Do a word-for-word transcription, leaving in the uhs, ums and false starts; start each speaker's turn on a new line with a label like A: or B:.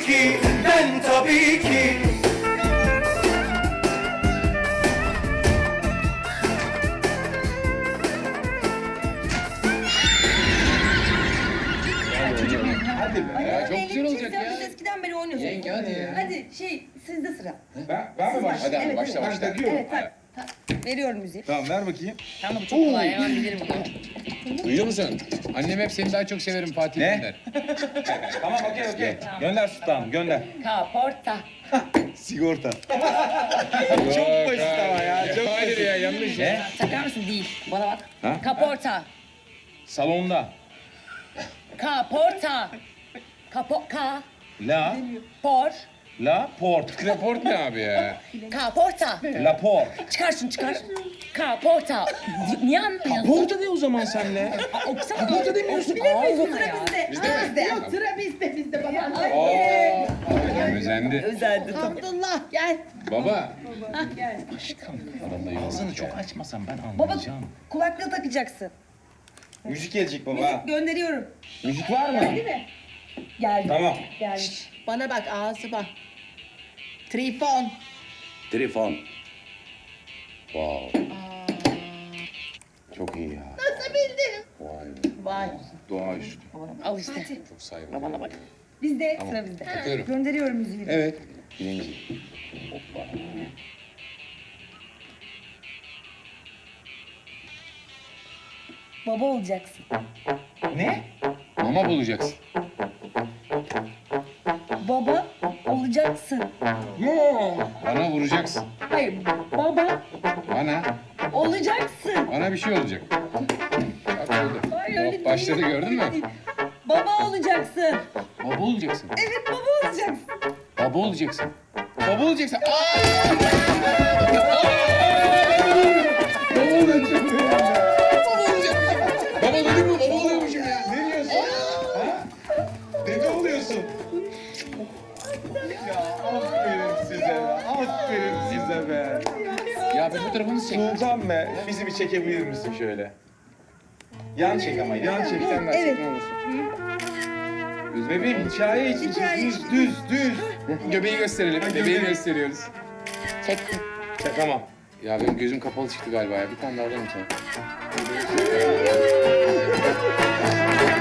A: ki, ben tabii ki.
B: Hadi be.
C: Ya çok güzel olacak
D: Biz
C: ya.
D: eskiden beri oynuyoruz.
C: Yenge hadi ya.
D: Hadi şey sizde sıra.
B: Ben, ben mi başlayayım?
C: Hadi abi
D: Evet,
C: başla
B: Ben
C: başla.
B: takıyorum.
D: Evet tak. tak. Veriyorum müziği.
B: Tamam ver bakayım.
D: Tamam bu çok kolay hemen bilirim bunu.
C: Duyuyor musun? Annem hep seni daha çok severim Fatih
B: Ne?
C: gönder.
B: Tamam okey okey. Gönder sultanım gönder.
D: Kaporta.
B: Sigorta. Çok basit ama ya. Çok
C: Hayır
B: basit.
C: ya yanlış.
B: Ne?
D: Takar mısın? Değil. Bana bak.
B: Ha?
D: Kaporta.
B: Salonda.
D: Kaporta. Kapo ka.
B: La.
D: Por.
B: La port.
C: Kreport ne abi ya?
D: Kaporta.
B: La port.
D: Çıkar şunu çıkar. Kaporta. Niye anlamıyorsun?
B: Porta de o zaman senle.
D: Okusana. Kaporta demiyorsun. Ağzına ya.
C: Bizde mi?
D: Bizde.
E: Yok sıra bizde bizde baba.
C: Oo. Annem özendi.
D: Özeldi.
E: Abdullah gel.
C: Baba.
B: Ağzını çok açmasan ben
D: Baba
B: anlayacağım.
D: kulaklığı takacaksın.
B: Müzik gelecek baba.
D: Gönderiyorum.
B: Müzik var mı?
D: Geldi.
B: Tamam.
D: Geldi.
E: Bana bak ağzı bak. Trifon.
B: Telefon. Wow. Çok iyi ya.
E: Nasıl bildin?
B: Vay be.
E: Vay.
B: Doğaüstü.
D: Al işte.
C: Çok saygılı. Bana bak.
D: Bizde sıra bizde.
C: Takıyorum.
D: Gönderiyorum müziği.
C: Evet.
B: Birinci.
D: Baba olacaksın.
B: Ne?
C: Mama bulacaksın.
D: Baba olacaksın.
C: Bana vuracaksın.
D: Hayır, baba
C: Bana.
D: olacaksın.
C: Bana bir şey olacak. Bak oldu.
D: Hayır, öyle
C: Hop, başladı
D: değil,
C: gördün
D: öyle
C: mü?
D: değil. Baba olacaksın.
C: Baba olacaksın.
D: Evet, baba olacaksın.
C: Baba olacaksın. Baba olacaksın. Aa! Baba olacaksın. Baba olacaksın. Baba dedim mi? Baba oluyormuşum ya.
B: Ne diyorsun? Ha? Dede oluyorsun. Ya aferin size be. Aferin size be.
C: Ya bir fotoğrafınızı çek.
B: Sultan be. Bizi bir çekebilir misin şöyle? Yan çek ama yan çek.
C: Sen ver
D: Evet.
C: ne olursun.
B: Düz bebeğim hikaye için
D: Hikaye.
B: düz düz düz.
C: Göbeği gösterelim.
B: Ha,
C: Bebeği
B: göbeği.
C: gösteriyoruz.
D: Çektim.
B: Ya, tamam.
C: Ya benim gözüm kapalı çıktı galiba ya. Bir tane daha alalım sana.